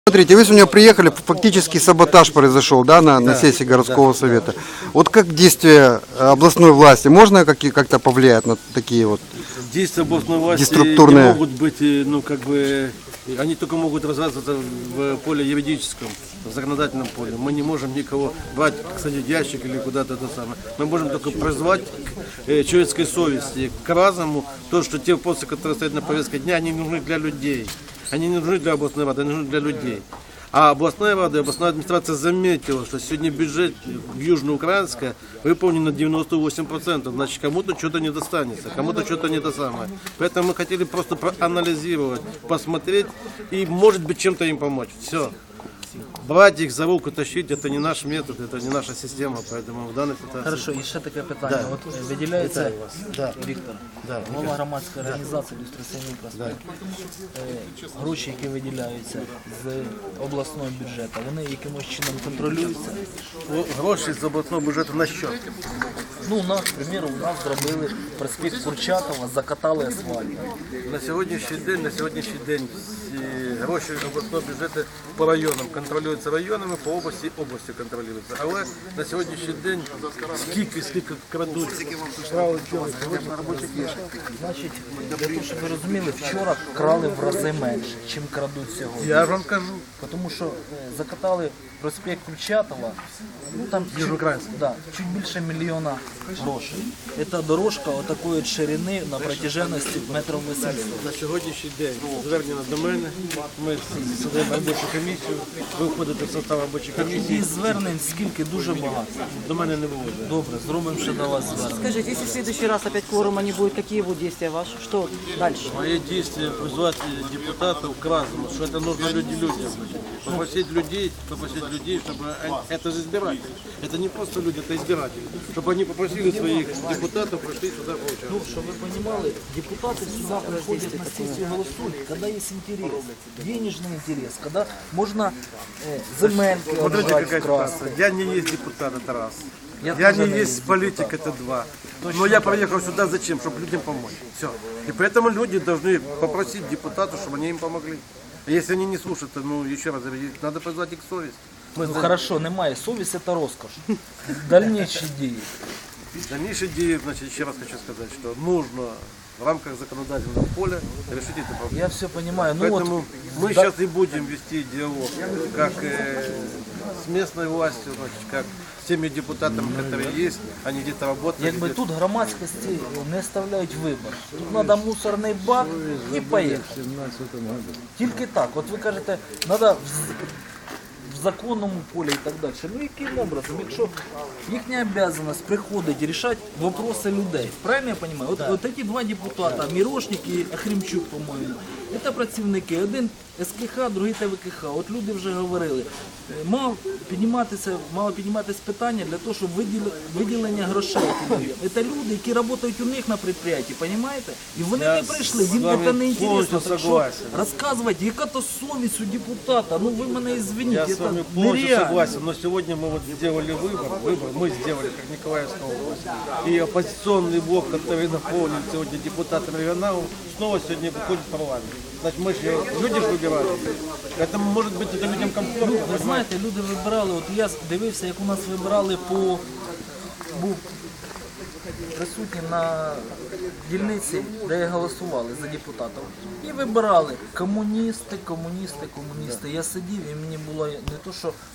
Смотрите, вы сегодня приехали, фактически саботаж произошел, да, на сессии городского совета. Вот как действия областной власти, можно как-то повлиять на такие вот действия областной власти деструктурные? не могут быть, ну как бы, они только могут развиваться в поле юридическом, в законодательном поле. Мы не можем никого брать, кстати, ящик или куда-то это самое. Мы можем только призвать к человеческой совести, к разуму, то, что те вопросы, которые стоят на повестке дня, они нужны для людей. Они не нужны для областной рады, они нужны для людей. А областная рада и областная администрация заметила, что сегодня бюджет Южноукраинска выполнен на 98%. Значит, кому-то что-то не достанется, кому-то что-то не то самое. Поэтому мы хотели просто проанализировать, посмотреть и, может быть, чем-то им помочь. Все. Брать их за руку, тащить, это не наш метод, это не наша система, поэтому в данной ситуації... Хорошо, і ще таке питання. От виділяється, Віктор, голова громадської організації «Ілюстраційний проспект». Гроші, які виділяються з обласного бюджету, вони якимось чином контролюються? Гроші з обласного бюджету на що? Ну, у нас, к примеру, у нас зробили проспект Курчатова, закатали асфальт. На сьогоднішній день всі гроші обласного бюджету по районам контролюються районами, по області контролюються. Але на сьогоднішній день скільки крадуть, Значить, для того, щоб ви розуміли, вчора крали в рази менше, чим крадуть сьогодні. я вам кажу. Тому що закатали проспект Курчатова, ну там чуть більше мільйона грошей. Це дорожка отакої ширини на протяженності метрів 800. На сьогоднішній день звернення до мене, ми сидимо робочу комісію, ви входите в состав робочої комісії. І звернень скільки, дуже багато. До мене не виводять. Добре, зробимо ще до вас звернення. Скажите, если в следующий раз опять кворума не будет, какие будут действия ваши? Что дальше? Мои действия призвать депутатов к разуму, что это нужно людям. Попросить людей, чтобы это же избиратели. Это не просто люди, это избиратели. Чтобы они попросили своих депутатов, пришли сюда поучаствовать. Ну, чтобы вы понимали, депутаты сюда приходят на сессию голосуют, когда есть интерес, денежный интерес, когда можно земельки Смотрите, отжать какая в краску. ситуация. Я не есть депутат, это раз. Я Я тоже не не есть политик, это два. Но я приехал сюда зачем? Чтобы людям помочь. Все. И поэтому люди должны попросить депутатов, чтобы они им помогли. А если они не слушают, то, ну, еще раз, надо позвать их к совести. Мы Ну хорошо, немає. Совість – це розкош. Дальнейші дії. Дальнейшие идеи, значит, еще раз хочу сказать, что нужно в рамках законодательного поля решить эту проблему. Я все понимаю. Ну Поэтому вот, мы сейчас и будем вести диалог, как с местной властью, значит, как с теми депутатами, которые есть, они где-то работают. якби тут громадськості не ставляють вибір. Тут треба мусорний бак і поїхати. Тільки так. От ви кажете, треба в законному полі і так далі. Ну яким образом, якщо їхня обов'язаність приходить рішати вопроси людей. Правильно я розумію? От ці два депутата, Мірошник і Ахремчук, по-моєму, це працівники. Один СКХ, другий ТВКХ. От люди вже говорили. Мало підніматися питання для того, щоб виділення грошей. Це люди, які працюють у них на підприємстві, розумієте? І вони не прийшли, їм це не інтересно. Так що розказувати, яка то совість у депутата, ну ви мене извините, Я с вами це полностью нереально. согласен, но сегодня мы вот сделали выбор, мы сделали, как Николаевская область. И оппозиционный блок, который наполнен сегодня депутатами регионалов, снова сегодня выходит в парламент. Значит, мы же, люди же выбирали. Поэтому, может быть, это людям комфортно. Ви знаєте, люди вибирали, от я дивився, як у нас вибирали був присутній на дільниці, де голосували за депутатів. І вибирали комуністи. Я сидів і мені було не то, що